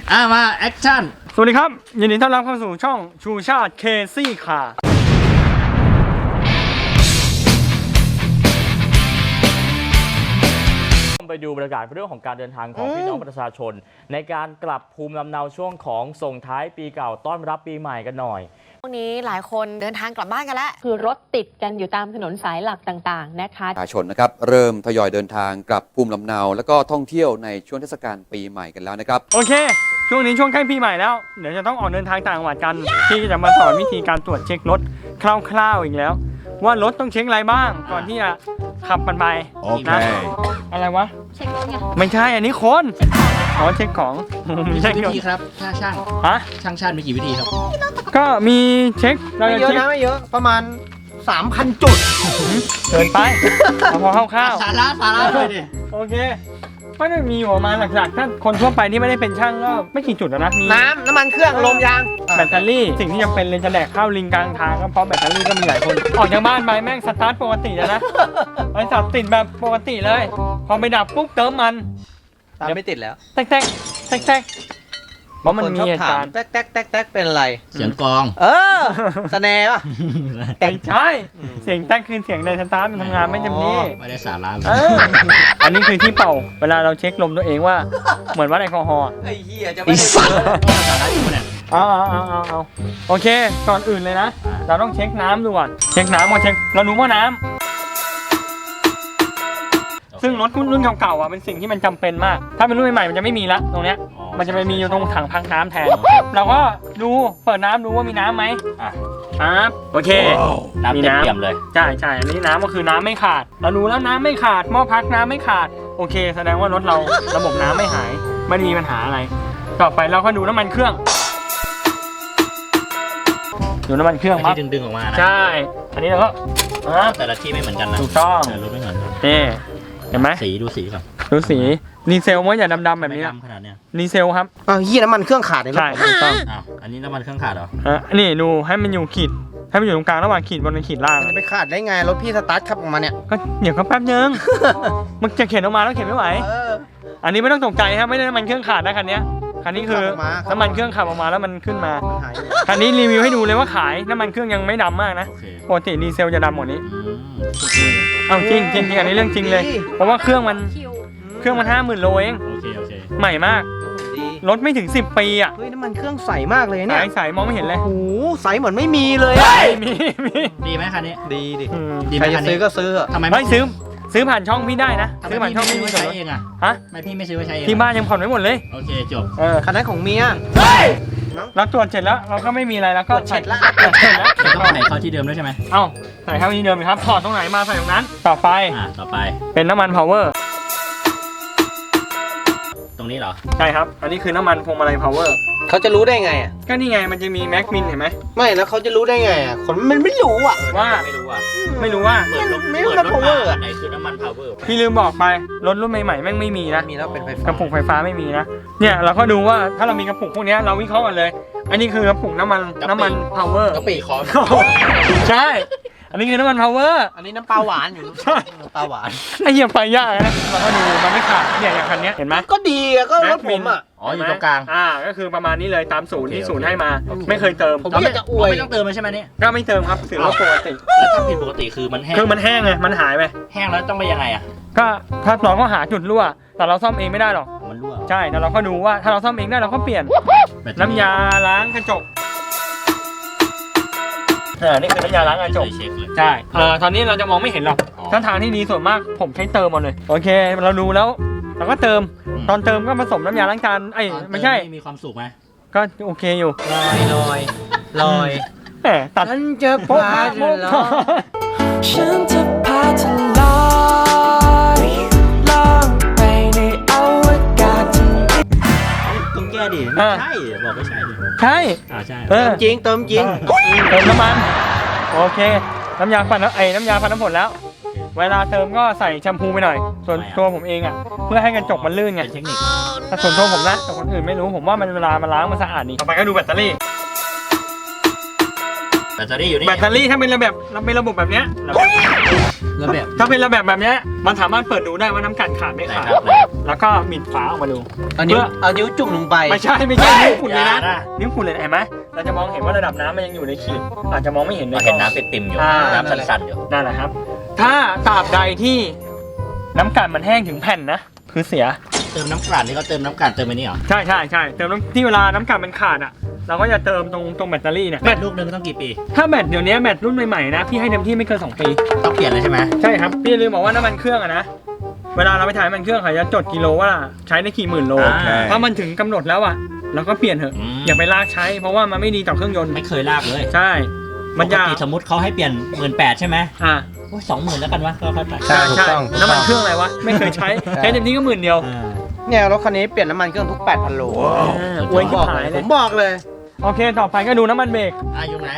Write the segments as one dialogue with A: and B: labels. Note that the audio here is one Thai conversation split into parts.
A: มาแอคชั่น
B: สวัสดีครับยินดีต้อนรับเข้าสู่ช่องชูชาติเคซี่ค่ะไปดูบรรยากาศเรื่องของการเดินทางของพี่น้องประชาชนในการกลับภูมิลำเนาช่วงของส่งท้ายปีเก่าต้อนรับปีใหม่กันหน่อย
C: ช่วงนี้หลายคนเดินทางกลับบ้านกันแล้ว
D: คือรถติดกันอยู่ตามถนนสายหลักต่างๆนะคะ
E: ประชาชนนะครับเริ่มทยอยเดินทางกลับภูมิลำเนาแล้วก็ท่องเที่ยวในช่วงเทศกาลปีใหม่กันแล้วนะครับ
B: โอเคช่วงนี้ช่วงใกล้ปีใหม่แล้วเดี๋ยวจะต้องออกเดินทางต่างจังหวัดกันที่จะมาสอนวิธีการตรวจเช็ครถคร่าวๆอีกแล้วว่ารถต้องเช็คอะไรบ้างก่อนที่จะขับมันไปนะอะไรวะ
C: เช็ครถไง
B: ไม่ใช่อันนี้คนเช็คของ
A: มีกี่วิธีครับถ้าช่างช่างมีกี่วิธีครับ
B: ก็มีเช็ค
F: ไม่เยอะนะไม่เยอะประมาณ 3,000 จุด
B: เกินไปพอคร่าว
A: ๆสาระเลยดิ
B: โอเคก็จะมีประมาณหลักๆถ้าคนทั่วไปที่ไม่ได้เป็นช่างก็ไม่กี่จุดนะมี
F: น้ำมันเครื่องลมยาง
B: แบตเตอรี่สิ่งที่จำเป็นเลยจะแดกข้าวลิงกลางทางก็เพราะแบตเตอรี่ก็มีหลายคนออกจากบ้านไปแม่งสตาร์ทปกติแล้วนะไอ้สับติดแบบปกติเลยพอไปดับปุ๊บเติมมัน
F: ตามไม่ติดแล้ว
B: แตกเพราะมันมีเหตุการณ์
F: แตกเป็นอะไร
A: เสียงกอง
F: สแนร์ป่ะ
B: ใช่เสียงแตกคือเสียงในสตาร์ทมันทำงานไม่เต็มที่
A: ไม่ได้สาระเลย
B: อันนี้คือที่เป่าเวลาเราเช็คลมตัวเองว่าเหมือนวัดแอลกอฮอล์
F: ไอ้เหี้ยจะไม่ได้
A: สาระอยู่เนี่ย
B: เอาโอเคก่อนอื่นเลยนะเราต้องเช็คน้ำดูก่อนเช็คน้ำก่อนเช็คเราดูว่าน้ำซึ่งรถรุ่นเก่าๆเป็นสิ่งที่มันจำเป็นมากถ้าเป็นรุ่นใหม่ๆมันจะไม่มีละตรงเนี้ยมันจะไปมีอยู่ตรงถังพักน้ำแทนเราก็ดูเปิดน้ำดูว่ามีน้ำไหมโอเค
A: น้ำเต็มเลย
B: ใช่อันนี้น้ำก็คือน้ำไม่ขาดเราดูแล้วน้ำไม่ขาดหม้อพักน้ำไม่ขาดโอเคแสดงว่ารถเราระบบน้ำไม่หายไม่มีปัญหาอะไรต่อไปเราก็ดูน้ำมันเครื่องดูน้ำมันเครื่อง
A: ที่ดึงออกมา
B: ใช่อันนี้เราก็
A: แต่ละที่ไม่เหมือนกันนะ
B: ถูกต้อง
A: รถไม่เหมือนกัน
B: นี่เห็นไหม
A: สีดูสีก่อน
B: ดูสีดีเซลมั้ยอย่าดำๆแบบนี้
A: ดำขนาดเนี้ย
B: ดีเซลครับ
F: เหี้ยน้ำมันเครื่องขาดเลย
B: ใช่ถูกต้อง
A: อันนี้น้ำมันเครื่องขาดเหรอ
B: นี่ดูให้มันอยู่ขีดให้มันอยู่ตรงกลางระหว่างขีดบนกับขีดล่าง
F: จะไปขาดได้ไงรถพี่สตาร์ทขับออกมาเนี่ย
B: ก็เดี๋ยวก็แป๊บนึงมันจะเข็นออกมาแล้วเข็นไม่ไหวอันนี้ไม่ต้องตกใจครับไม่ได้น้ำมันเครื่องขาดนะคันนี้คันนี้คือน้ำมันเครื่องขับออกมาแล้วมันขึ้นมาคันนี้รีวิวให้ดูเลยว่าขายน้ำมันเครื่องยังไม่ดำมากนะปกติดีเซลจะดำหมดนี้เอาจริงอันนี้เรื่องจริงเลยเพราะว่าเครื่องมัน50,000 โลเองใหม่มากรถไม่ถึง10 ปี
F: เฮ้ยน้ำมันเครื่องใสมากเลยเนี่ย
B: ใสมองไม่เห็นเลย
F: โอ้โหใสเหมือนไม่มีเลย
B: มี
A: ดีไหมคันนี้
F: ดีใครจะซื้อก็ซื้อ
A: ทำไม
B: ไม่ซื้อผ่านช่องพี่ได้นะซื้อผ่านช่องพี่
A: ไม่ใช้เองไม่พี่ไม่ซื้อไว้ใช้เอง
B: ที่บ้านยังผ่อนไม่หมดเลย
A: โอเคจบ
F: คันนั้นของเมีย
B: เราตรวจเสร็จแล้วเราก็ไม่มีอะไรแล้วก็
F: เสร็จแล้ว
A: ต้องใส่เข้าที่เดิมด้วยใช่ไหม
B: ใส่เข้าที่เดิมครับถอดตรงไหนมาใส่ตรงนั้นต่อไปเป็นน้ำมันพาวเวอร์
A: ตรงนี้เหรอ
B: ใช่ครับอันนี้คือน้ำมันพวงมาลัยพาวเวอร์
F: เขาจะรู้ได้ไง
B: ก็นี่ไงมันจะมีแม็กมินเห็นไหม
F: ไม่แล้วเขาจะรู้ได้ไงคนมันไม่รู้
B: ว่า
A: ไม่รู้ว่า
F: ไม่รู้พาวเวอร์
A: ไหนคือน้ำมันพาวเวอร์
B: พี่ลืมบอกไปรถรุ่นใหม่ๆแม่งไม่มีนะ
F: มีแล้วเป็นไฟฟ้าก
B: ระปุกไฟฟ้าไม่มีนะเนี่ยเราก็ดูว่าถ้าเรามีกระปุกพวกนี้เราวิเคราะห์กันเลยอันนี้คือกระปุกน้ำมันพาวเวอร์
A: กระปิคอ
B: ใช่อันนี้คือน้ำมันพาวเวอร์
F: อันนี้น้ำปลาหวานอยู่
B: ใช่
F: ปลาหวาน
B: ไอ้เหี้ยไฟยากนะเราก็ดูมันไม่ขาดเนี่ยอย่างคันนี้เห็นไหม
F: ก็ดีก็รถผม
A: อยู่ตรงกลาง
B: ก็คือประมาณนี้เลยตามศูนย์ที่ศูนย์ให้มาไม่เคยเติม
F: ผมไม่จะอวย
A: ไม่ต้องเติมใช่ไหมเนี่ย
B: ก็ไม่เติมครับถือว่าปกติ
A: แล้วถ้าผิดปกติคือมันแห้
B: งไงมันหายไป
A: แห้งแล้วต้องไปยังไง
B: ก็ถ้าเราก็หาจุดรั่วแต่เราซ่อมเองไม่ได้หรอก
A: มันรั่ว
B: ใช่แต่เราก็ดูว่าถ้าเราซ่อมเองได้เราก็เปลี่ยนน้ำยาล้างกระจกนี่คือน้ำยาล้างกระจกใช่ตอนนี้เราจะมองไม่เห็นหรอกถ้าทางที่ดีส่วนมากผมใช้เติมหมดเลยโอเคเราดูแล้วเราก็เติมตอนเติมก็ผสมน้ำยาล้างจานไม่ใช่
A: มีความสุขไหม
B: ก็โอเคอยู่
F: ลอย
B: ตัด
F: ฉันจะพาเธอลอย
D: ฉันจะพาเธอลอยล่องไปในอวกาศ
A: ต้องแก้ดิไม่ใช่บอกไม่ใช่
B: ใช่
A: ใช่
F: เติมจริงเติม
B: น้ำมันโอเคน้ำยาปั่นน้ำยาปั่นน้ำฝนแล้วเวลาเติมก็ใส่แชมพูไปหน่อยส่วนตัวผมเองเพื่อให้กระจกมันลื่นไง
A: เทคนิค
B: ถ้าส่วนตัวผมนะแต่คนอื่นไม่รู้ผมว่ามันเวลามันล้างมันสะอาดดีต่อไปก็ดูแบตเตอรี่
A: อยู่นี่
B: แบตเตอรี่ถ้าเป็นระบบแบบเนี้ย
A: แล้วแบบ
B: ถ้าเป็นระแบบแบบเนี้ยมันสามารถเปิดดูได้ว่าน้ำกันขาดไม่ขาด แล้วก็บิดฝาออกมาดู
F: เอานิ้วจุ่มลงไป
B: ไม่ใช่นิ้วขุ่นเลยนะ
A: อย่านะ
B: นิ้วขุ่นเลยเห็นไหมเราจะมองเห็นว่าระดับน้ำมันยังอยู่ในขีดอาจจะมองไม่เห็นใน
A: เห็นน้ำเป็นติ่มอยู่ น้ำสั่นๆอยู่
B: นั่นแหละครับ ถ้าตราบใดที่น้ำกันมันแห้งถึงแผ่นนะคือเสีย
A: เติมน้ำกลั่นนี่เขาเติมน้ำกลั่นเติมไปนี่เหรอ
B: ใช่เติมน้ำที่เวลาน้ำกันมันขาดอ่ะเราก็จะเติมตรงแบตเตอรี่เนี่ย
A: แบตลูกนึงต้องกี่ปี
B: ถ้าแบตเดี๋ยวนี้แบตรุ่นใหม่ๆนะพี่ให้เต็มที่ไม่เกิน2 ปี
A: ต้องเปลี่ยนเลยใช่ไหม
B: ใช่ครับพี่อย่าลืมบอกว่าน้ำมันเครื่องอะนะเวลาเราไปถ่ายน้ำมันเครื่องเขาจะจดกิโลว่าใช้ได้กี่หมื่นโล
A: โอเค
B: พอมันถึงกำหนดแล้วอะเราก็เปลี่ยนเถอะ อย่าไปลากใช้เพราะว่ามันไม่ดีต่อเครื่องยนต์
A: ไม่เคยลากเลย
B: ใช่มัน
A: ปก
B: ยาก
A: ติสมมติเขาให้เปลี่ยน18,000ใช่ไหม
B: อ่า
A: โอ้ย20,000แล้วกันวะก็ค่อยไป
B: ใช่
F: ถูกต้อง
B: น้ำมันเครื่องอะไรวะไม่เคยใช้ใช้เต็มที่ก็10,000เดียว
A: อ่า
F: เนี่ยรถคันนี้เปลี่ยนน้ำมันเครื่องทุก 8,000 โล
B: อวย
F: ผ
B: ขี้
F: มบอก
B: หาย
F: เล
B: เลย ย
F: ผมบอกเลย
B: โอเคต่อไปก็ดูน้ำมันเบรก
A: อยู่ไหน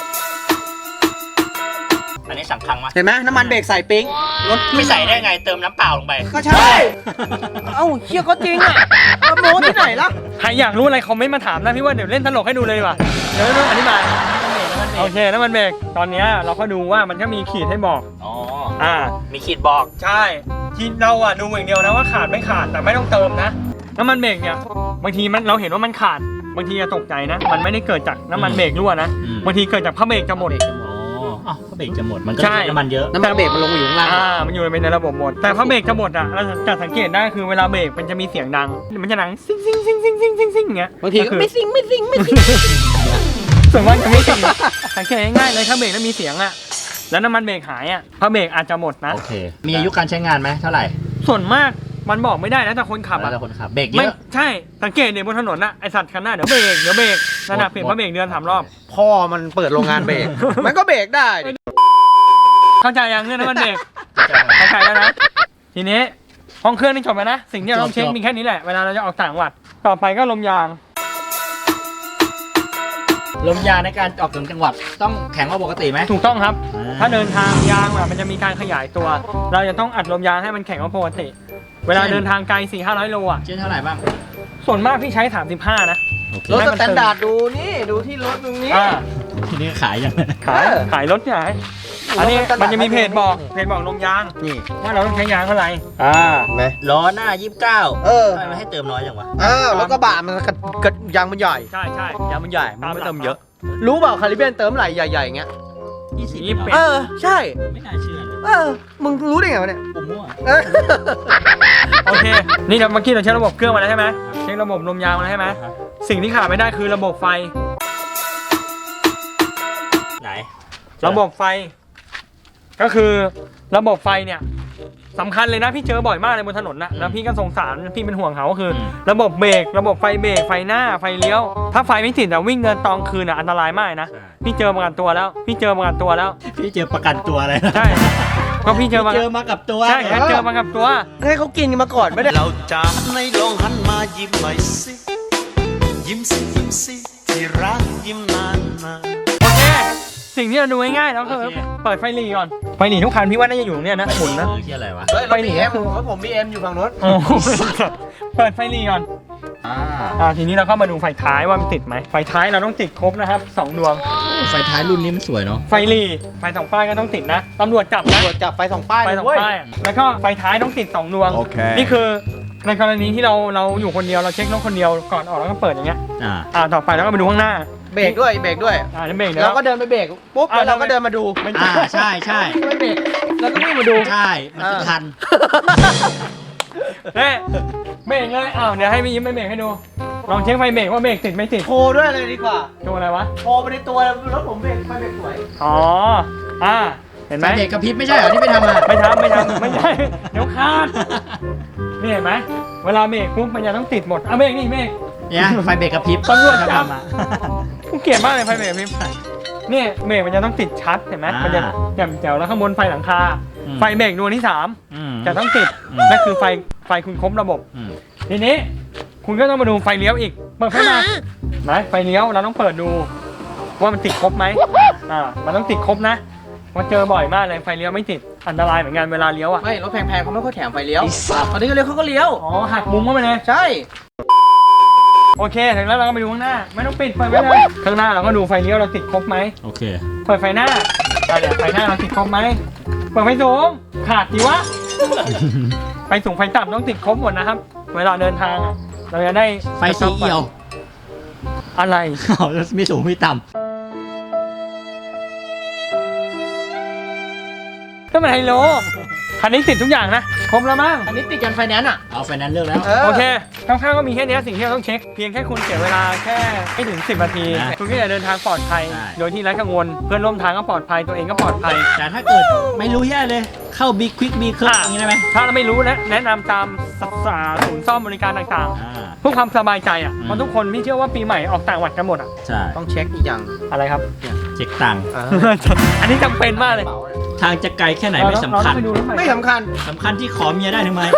A: อันนี้สั่งครั้งมา
F: เห็นไหมน้ำมันเบรกใส่ปิ๊งรถ
A: ไม่ใส่ได้ไงเติมน้ำเปล่าลงไป
F: ก็ใช่ เอ้าเชี่ยก็จริงอ่ะโม้ที่ไหนล่ะ
B: ใครอยากรู้อะไรคอมเมนต์มาถามนะพี่ว่าเดี๋ยวเล่นตลกให้ดูเลยดีกว่าเดี๋ยวอธิบายโอเคน้ำมันเบรกตอนเนี้ยเราก็ดูว่ามันก็มีขีดให้บอก
A: อ๋อ
B: อ่า
A: มีขีดบอก
B: ใช่ที่เราอ่ะดูอย่างเดียวนะว่าขาดไม่ขาดแต่ไม่ต้องเติมนะน้ำมันเบรกเนี่ยบางทีมันเราเห็นว่ามันขาดบางทีจะตกใจนะ มันไม่ได้เกิดจากน้ำมันเบรกรั่วนะ
A: อืม
B: บางทีเกิดจากพระเบรกจะหมด
A: อ๋ออ้าวก็เบรกจะหมด มันก็
B: ใช่
A: ใช้น้ำมันเยอะ
F: น้ำมันเบรกมันลงอยู่ข้างล่าง
B: มันอยู่ในระบบหมดแต่พระเบรกจะหมดอ่ะเราจะสังเกตได้คือเวลาเบรกมันจะมีเสียงดังมันจะดังซิ่งซิ่งซิ่งซิ่งซิ่งซิ่งซิ่งอย่างเงี้ย
F: บางทีก็
B: คือ
F: ไม่ซิง
B: ส่วนมากจะไม่ซิ่งสังเกตง่ายๆเลยถ้าเบรกแล้วมีเสียงอ่ะแล้วน้ำมันเบรกหายอ่ะพระเบรกอาจจะหมดนะ
A: โอเค มีอายุการใช้งานไหมเท่าไหร่
B: ส่วนมากมันบอกไม่ได้นะแต่คนขับ
A: แล้ว
B: อ่ะ
A: แต่คนขับ เบรกเย
B: ไม่
A: อะ
B: ใช่สังเกตเนี่ยบนถนนน่ะไอสัตว์คันหน้าเดี๋ยวเบรกนั่นน่ะเปลี่ยนพระเบรกเดือน3 รอบ
F: พ่อมันเปิดโรงงานเบรก มันก็เบรกได้ดิ
B: เข้าใจยังเรื่องน้ำมันเบรกเข้าใจแล้วนะทีนี้ห้องเครื่องนี่จบแล้วนะสิ่งที่เราต้องเช็คมีแค่นี้แหละเวลาเราจะออกต่างจังหวัดต่อไปก็ลมยาง
A: ลมยางในการออกถึงจังหวัดต้องแข็งกว่าปกติไหม
B: ถูกต้องครับ
A: อ่า
B: ถ้าเดินทางยางมันจะมีการขยายตัว เราจะต้องอัดลมยางให้มันแข็งกว่าปกติ เวลาเดินทางไกล 400-500 โลอ่ะ
A: เช่นเท่าไหร่บ้าง
B: ส่วนมากพี่ใช้ 35 นะ
A: โอเค
F: รถสแตนดาร์ดดูนี่ ดูที่รถตรงนี้
B: อ่า
A: ทีนี้ขายยัง
B: ขายรถเนี่ยอันนี้มันจะมีเพจบอกลมยาง
F: นี่
B: ว่าเราต้องใช้ยางเท่าไหร่
F: เห็นไหม
A: ล้อหน้า 29
F: เออ
A: ทำไมไม่ให้เติมน้อยจังวะ
F: อ้าวแล้วก็บะมันกระยางมันใหญ่
B: ใช่
F: ยางมันใหญ่ มันไม่เติมเยอะ รู้เปล่าคาริเบียนเติมไหลใหญ่ๆอย่างเงี้ย
A: 20
B: ยี่สิบ
A: เหร
B: เอ็
A: อ
B: ด
F: ใช่
A: ไม่น่าเชื่อเลย
F: มึงรู้ได้ไงวะเนี่ย
A: ผมมั่ว
F: เออ
B: โอเค นี่เราเมื่อกี้เราใช้ระบบเครื่องมาแล้วใช่ไหมเช็คระบบลมยางมาแล้วใช่ไหมสิ่งที่ขาดไม่ได้คือระบบไฟ
A: ไหน
B: ระบบไฟ ก็คือระบบไฟเนี่ยสำคัญเลยนะพี่เจอบ่อยมากเลยบนถนนนะแล้วพี่ก็สงสารพี่เป็นห่วงเขาก็คือ ระบบเบรกระบบไฟเบรกไฟหน้าไฟเลี้ยว ถ้าไฟไม่ติดแต่วิ่งเดินตอนคืนอ่ะอันตรายมากนะ พี่เจอประกันตัวแล้ว
A: พี่เจอประกันตัวอะไรนะ
B: ใช่ก็พี่เจอมา
A: เจอมากับตัว
B: ใช่งั้นเจอมากับตัว
F: ให้เขากินกันมาก่อนไม่ได้
G: เราจะไม่ลองหันมายิ้มหน่อยสิ ยิ้มสิยิ้มสิที่รักยิ้มนานนาน
B: โอเค สิ่งที่เราดูง่ายๆแล้วคือเปิดไฟหลีก่อนไฟหลีทุกคันพี่ว่าน่าจะอยู่ตรงเนี้ยนะหมุนนะ
A: ที่อะไรวะ
F: เฮ้ยรถบีเอ็มรถผมบีเอ็มอยู่ฝั่งนู้น
B: โอ้โหเปิดไฟหลีก่อนทีนี้เราเข้ามาดูไฟท้ายว่ามันติดไหมไฟท้ายเราต้องติดครบนะครับ2 ดวง
A: ไฟท้ายรุ่นนี้มันสวยเนาะ
B: ไฟหลีไฟ2 ป้ายก็ต้องติดนะตำรวจจับนะ
F: ตรวจจับไฟ2 ป้าย
B: ไฟ
F: เลย
B: 2
F: เว้ย
B: ป้ายแล้วก็ไฟท้ายต้องติด2 ดวงนี่คือในกรณีที่เราอยู่คนเดียวเราเช็ครถคนเดียวก่อนออกแล้วก็เปิดอย่างเงี้ยต่อไปแล้วก็ไปดูข้างหน้า
F: เบรกด้วยเบรกด้วย
B: นี่เบรกเดี๋ยว
F: เราก็เดินไปเบรกปุ๊บแล้วเราก็เดินมาดู
A: ใช่ใช่
F: ไม่เบรกแล้วก็วิ่งมาดู
A: ใช่ มันจะทัน
B: เฮ้เบรกเลยเดี๋ยวให้พี่ยิ้มไปเบรกให้ดูลองเช็คไฟเบรกว่าเบรกติดไม่ติด
F: โทรด้วยเลยดีกว่า
B: ดูอะไรวะ
F: โทรไปในตัวรถผมเบรกไฟเบรกสวย
B: อ๋อเห็นไห
A: ไฟ
B: ม
A: เด็กกระพริบไม่ใช่เหรอที่ไปทำอ่ะ
B: ไม่ทำไม่ใช่เดี๋ยวขาดนี่เห็นไหมเวลาเบรกปุ๊บมันจะต้องติดหมดเบรกนี่เบรก
A: เนี่ยไฟเบรกกระพริบ
B: ตำรวจจับ
A: ทำอ่ะ
B: กูเกลียดมากเลยไฟเบรกพี่เนี่ยเบรกมันจะต้องติดชัดเห็นไหมมันจะแจ่มแจ๋วแล้วข้างบนไฟหลังคาไฟเบรกดวงที่3จะต้องติดนั่นคือไฟคุณครบระบบทีนี้คุณก็ต้องมาดูไฟเลี้ยวอีกเปิดไฟมาไหนไฟเลี้ยวเราต้องเปิดดูว่ามันติดครบไหมมันต้องติดครบนะว่าเจอบ่อยมากเลยไฟเลี้ยวไม่ติดอันตรายเหมือนกันเวลาเลี้ยวอ่ะ
F: ไม่รถแพงๆเขาไม่ค่อยแถมไฟเลี้ยวตอนนี้ก็เลี้ยวเขาก็เลี้ยว
B: หักมุมเข้าไปเลย
F: ใช่
B: โอเคถึงแล้วเราก็ไปดูข้างหน้าไม่ต้องปิดเปิดไว้เลยข้างหน้าเราก็ดูไฟเลี้ยวเราติดครบไหม
A: โอเค
B: เปิดไฟหน้าเดี๋ยวไฟหน้าเราติดครบไหมเปิดไฟสูงขาดดีวะ ไฟสูงไฟต่ำต้องติดครบหมดนะครับ เวลาเดินทางอะเราจะได้
A: ไฟสีเอี่ยว
B: อะไร
A: เอาแล้วไม่สูงไม่ต่
B: ก็เป็นไฮโลคันนี้ติดทุกอย่างนะครบแล้วมั้ง
F: อันนี้ติดกันไฟแนนซ์อ่ะ
A: ำเอาไฟนั้นเลือกแล้ว
B: โอเคคร่าวๆก็มีแค่นี้สิ่งที่เราต้องเช็คเพียงแค่คุณเสียเวลาแค่ไม่ถึง10 นาที
A: นะ
B: คุณก็จะเดินทางปลอดภัย
A: ใช่
B: โดยที่ไร้กังวลเพื่อนร่วมทางก็ปลอดภัยตัวเองก็ปลอดภัย
A: แต่ถ้าเกิดไม่รู้แย่เลยเข้าบิ๊กควิกบีเคิร์อย่างนี้ได้ไหม
B: ถ้าเราไม่รู้นะแนะนำตามศูนย์ซ่อมบริการต่าง
A: อ่า
B: ๆเพื่อความสบายใจอ่ะ
A: อืม
B: เพราะทุกคนพี่เชื่อว่าปีใหม่ออกต่างจังหวัดกันหมดอ่ะ
A: ใช่
F: ต้องเช็คอีกอย่าง
B: อะไรครับ
A: เช็คตังค์
B: อันนี้จำเป็นมากเลย
A: ทางจะไกลแค่ไหนไม่สำคัญ
B: เราต้องไปดูรถใหม่
F: ไม่สำคัญ
A: สำคัญที่ขอเมียได้ทำไม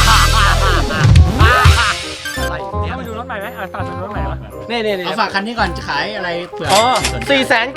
B: เราไปดูรถใหม่ไหมฝากดูรถใหม่ปะ
F: นี่
A: เอาฝากคันนี้ก่อนจะขายอะไรเผื่อ
B: อ๋อ
A: สนใจ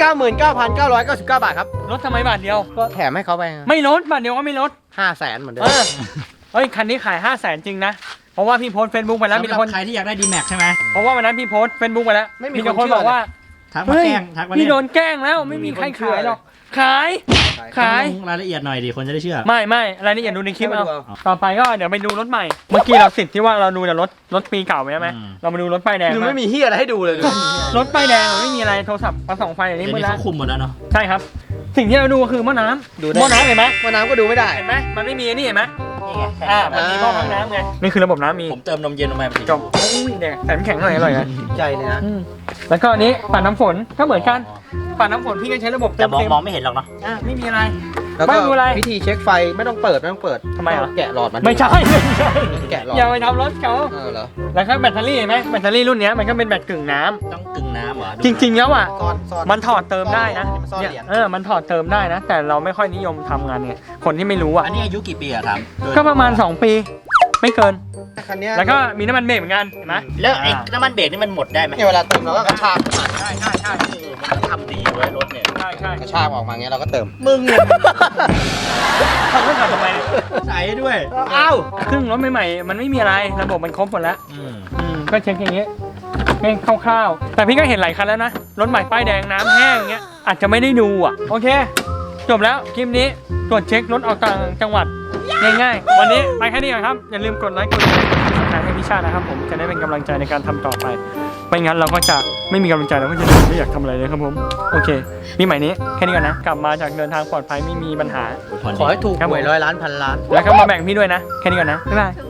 F: 499,999 บาทครับ
B: รถทำไมบาทเดียว
F: ก็แถมให้เขาไป
B: ไม่ลดบาทเดียวก็ไม่ลด
F: 500,000เหมือนเดิม
B: เฮ้ยคันนี้ขาย 500,000 จริงนะ เพราะว่าพี่โพสเฟซบุ๊กไปแล้วมี
A: สำหรับ
B: คน
A: ใครที่อยากได้ดีแม็กใช่ไหม
B: เพราะว่าวันนั้นพี่โพสเฟซบุ๊กไปแล้ว
F: ไม่มี
B: แต่
F: คน
B: คนบอกว่า
A: ทักมาแกล้งทักมา
B: พี่
A: เล่น
B: โดนแกล้งแล้วไม่มีใครขายหรอกขายขาย
A: ต้องลงรายละเอียดหน่อยดิคนจะได้เชื่อ
B: ไม่รายละเอียดดูในคลิปเอา
F: ไม่ดูเอา
B: ต่อไปก็เดี๋ยวไปดูรถใหม่ เมื่อกี้เราสิทธิ์ที่ว่าเราดูแต่รถปีเก่าใช่ไหม
A: อืม
B: เรามาดูรถป้ายแดง
F: ดู
B: บ้าง
F: ไม่มีเฮียอะไรให้ดูเลย
B: รถป้ายแดงมันไม่มีอะไรโทรศัพท์มาส่องไฟอย่างนี้
A: เดี๋ยว
B: มืด
A: นี้
B: แล้ว
A: เขาคุมหมดแล้วเนาะ
B: ใช่ครับ สิ่งที่เราดูก็คือหม้อน้ำ
F: ดูได้
B: หม้อน้ำเห็นไหม
F: ว่าน้ำก็ดูไม่ได้
B: เห็นไหมมันไม่มีอันนี่เห็นไหม
A: นี่ไง
B: มันมีหม้อพักน้ำไงนี่คือระบบน้ำมี
A: ผมเติมนมเย็นลงไป
B: จบอุ้ยแดงแต่น้ำแข็งหน่อยอร่อยนะ
F: ใจเลยนะ
B: แล้วก็อันนี้ปัดน้ำฝนก็เหมือนกันปัดน้ำฝนพี่ก็ใช้ระบบ
A: แต่มอง
B: เต็ม
A: มองไม่เห็นหรอกเนาะ
B: ไม่มีอะไร
F: แล้วก็
B: ไม่ดูอะไร
F: วิธีเช็คไฟไม่ต้องเปิด
B: ทำไมอ่ะ
F: แกะหลอดมัน
B: ไม่ใช่
F: แกะหลอด
B: อย่าไปทำรถเขา
F: เหรอ
B: แล้วก็แบตเตอรี่เห็นไหมแบตเตอรี่รุ่นเนี้ยมันก็เป็นแบตกึ่งน้ำ
A: ต้องกึ่งน้ำเหรอ
B: จริงๆแล้วอ่ะ
F: ซ่อน
B: มันถอดเติมได้นะ
F: ซ่อน
B: เนี่ย
F: เหรียญ
B: มันถอดเติมได้นะ แต่เราไม่ค่อยนิยมทำงานเนี่ยคนที่ไม่รู้อ่ะ
A: อันนี้อายุกี่ปีอะถามโดย
B: ก็ประมาณ 2 ปี ไม่เกิน
F: คันเนี้ย
B: แล้วก็มีน้ำมันเบรกเหมือนกันเห็นไหม
A: แล้วไอ้น้ำมันเบรกนี่มันหมดได้ไหม
F: เนี่ยเวลาเติมเราก็กระชาก
B: ใช่
A: มันทำดีเว้ยรถเนี่ย
B: ใช่
F: กระชากออกมาเงี้ยเราก็เติม
A: มึงเนี่ย
B: ขับรถขับทำไม
A: ใส่ด้วย
F: อ้าว
B: เครื่องรถใหม่ๆมันไม่มีอะไรระบบมันครบหมดแล้ว
A: อืม
B: ก็เช็คอย่างเงี้ยแค่คร่าวๆ แต่พี่ก็เห็นหลายคันแล้วนะ รถใหม่ป้ายแดงน้ำแห้งอย่างเงี้ย อาจจะไม่ได้ดูอ่ะ โอเค จบแล้วคลิปนี้ตรวจเช็ครถออกต่างจังหวัด ง่ายๆ วันนี้ไปแค่นี้ก่อนครับ อย่าลืมกดไลค์กดแชร์กดติดตามให้พี่ชาตินะครับผมจะได้เป็นกำลังใจในการทำต่อไป ไม่งั้นเราก็จะไม่มีกำลังใจเราก็จะไม่อยากทำอะไรเลยครับผม โอเคปีใหม่นี้แค่นี้ก่อนนะ กลับมาจากเดินทางปลอดภัยไม่มีปัญหา
F: ขอให้ถูกหวย100 ล้านพันล้าน
B: แล้วก็มาแบ่งพี่ด้วยนะ แค่นี้ก่อนนะ บ๊ายบาย